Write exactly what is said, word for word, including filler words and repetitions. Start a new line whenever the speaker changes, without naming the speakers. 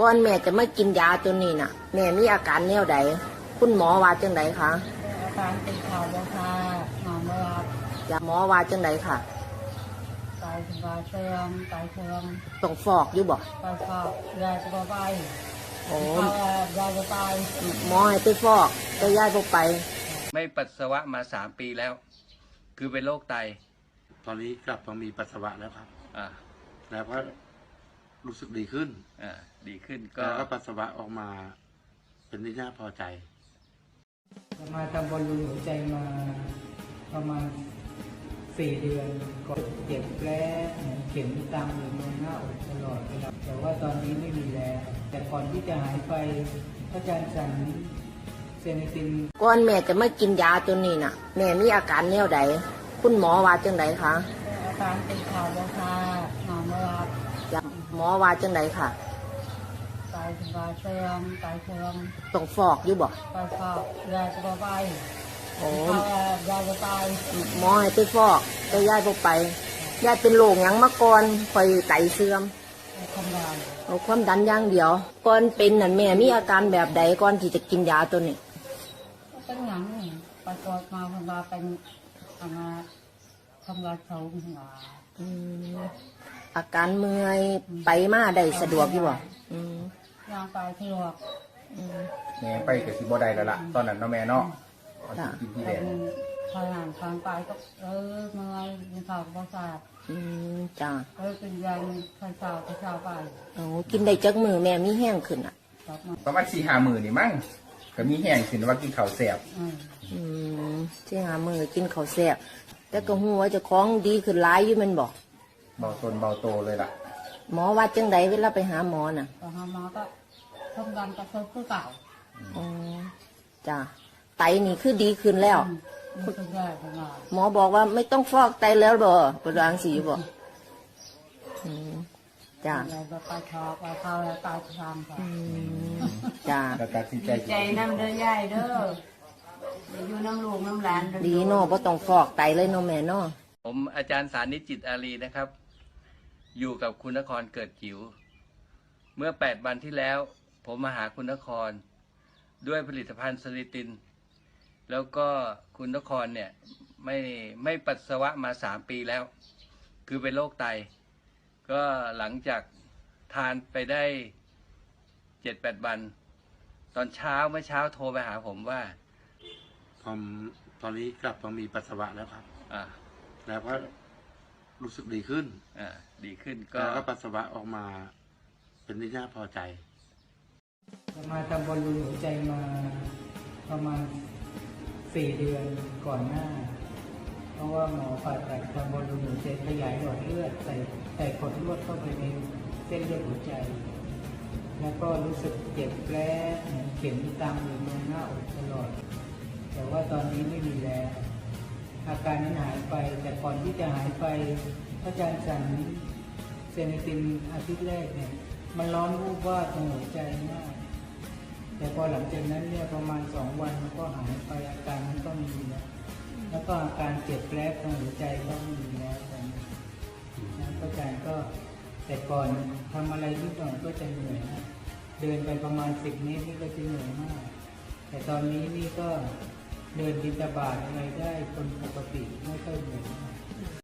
ก่อนแม่จะมากินยาตัวนี้น่ะแม่มีอาการแนวใดคุณหมอว่าจังไดคะ
อาการเป็นข่าวว่าค่ะนอนไม่หลับ
ยาหมอว่าจังไดค่ะ
ไตวายเสื่อมไตเสื่อม
ต้องฟอกอยู่บ่
ไตฟอกยายจะไป
โอ้
ยายจะไป
หมอให้ไปฟอกแต่ยายบ่ไป
ไม่ปัสสาวะมาสามปีแล้ว คือเป็นโรคไต
ตอนนี้กลับมามีปัสสาวะแล้วครับ
อ่า
แล้วก็รู้สึกดีขึ้น
อ่าดีขึ้นก็
แล้วก็ปัสสาวะออกมาเป็นที่น่าพอใจ
มาทำบอลลูนหัวใจมาประมาณสี่เดือนก็เจ็บแผลเข็มตามอยู่บนหน้าอกตลอดเวลาแต่ว่าตอนนี้ไม่มีแล้วแต่ก่อนที่จะหายไปอาจารย์สั่งเซนิติน
ก่อนแม่จะมากินยาตัวนี้น่ะแม่มีอาการแนวใดคุณหมอว่าจังไดคะ
อาการเป็นข่าวว่าค่ะนอนไม่หลับ
หมอว่าจังไดค่ะ
ไตวายเสื่อมไตเสื่อม
ต้องฟอกอยู่บ่
ไตฟอกยายจะไป
โอ้
ยายจะไป
หมอให้ไปฟอกแต่ยายบ่ไปยายเป็นโรคหยังมาก่อนค่อยไตเสื่อม
ความดัน
เอาความดันอย่างเดียวก่อนเป็นนั่นแม่มีอาการแบบใดก่อนที่จะกินยาตัวนี้
เป็นหยังนี่ไปตรวจมาเพิ่นว่าเป็นอาการทำลายเขาหัว
อืมอาการเมื่อยไปมาได้สะดวกอยู่บ่อืม
ย่างไปสะดวก
อืม
แม่ไปก็สิบ่ได้แล้วล่ะตอนนั้นเนาะแม่เนาะ
จ้ะ
กินที่แดง
ทางานทางไปก็เออเมื่อยมีข่าวประสาท
อืมจ้ะ
เออเป็นยังใส่ข่าวใส่ข่าวไป
โอ้กินได้จักมือแม่มีแห้งขึ้นอ่ะ
ประมาณสี่ห้ามื้อนี่มั้งก็มีแห้งขึ้นว่ากินข้าวแซ่บ
อืมสี่ห้ามื้อกินข้าวแซ่บแต่ก็ฮู้ว่าเจ้าของดีขึ้นหลายอยู่แม่นบ่
เบาตนเบาโตเลยล่ะ
หมอว่าจังไดเวลาไปหาหมอน่ะ
ไปหาหมอก็ความดันก็เพิ่มขึ้นเก่า
อ๋อจ้ะไตนี่คือดีขึ้นแล้วหมอบอกว่าไม่ต้องฟอกไตแล้วบ่ปวดรังสีบ่อืมจ้ะ
ไปทอไปเข้าแล้วตายทางค่ะ
จ้ะ
ใจน้ำเด้อยายเด้ออยู่น้ำลูกน้ำหลาน
ดีเนาะบ่ต้องฟอกไตเลยเนาะแม่เนาะ
ผมอาจารย์สานิจจิตอารีนะครับอยู่กับคุณนครเกิดจิ๋วเมื่อแปดวันที่แล้วผมมาหาคุณนครด้วยผลิตภัณฑ์สลิตินแล้วก็คุณนครเนี่ยไม่ไม่ปัสสาวะมาสามปีแล้ว คือเป็นโรคไตก็หลังจากทานไปได้เจ็ดแปดวันตอนเช้าเมื่อเช้าโทรไปหาผมว่า
ผมตอนนี้กลับมามีปัสสาวะแล้วครับ
อ่า
แล้วก็รู้สึกดีขึ้น
อ่าดีขึ้นก็
แล้วก็ปัสสาวะออกมาเป็นที่น่าพอใจ
มาทำบอลลูนหัวใจมาประมาณสี่เดือนก่อนหน้าเพราะว่าหมอผ่าตัดทำบอลลูนหัวใจขยายหลอดเลือดใส่ใส่ขดลวดเข้าไปในเส้นเลือดหัวใจแล้วก็รู้สึกเจ็บแผลเข็มตามอยู่บนหน้าอกตลอดแต่ว่าตอนนี้ไม่มีแล้วอาการนั้นหายไปแต่ก่อนที่จะหายไปอาจารย์สั่งเซนิตินอาทิตย์แรกเนี่ยมันร้อนวูบวาบตรงหัวใจมากแต่พอหลังจากนั้นเนี่ยประมาณสองวันมันก็หายไปอาการนั้นก็มีแล้วแล้วก็อาการเจ็บแผลตรงหัวใจก็ไม่มีแล้วตอนนี้นะอาจารย์ก็แต่ก่อนทำอะไรนิดหน่อยก็จะเหนื่อยนะเดินไปประมาณสิบเมตรนี่ก็จะเหนื่อยมากแต่ตอนนี้นี่ก็เดินบิณฑบาตอะไรได้คนปกติไม่ค่อยเหนื่อย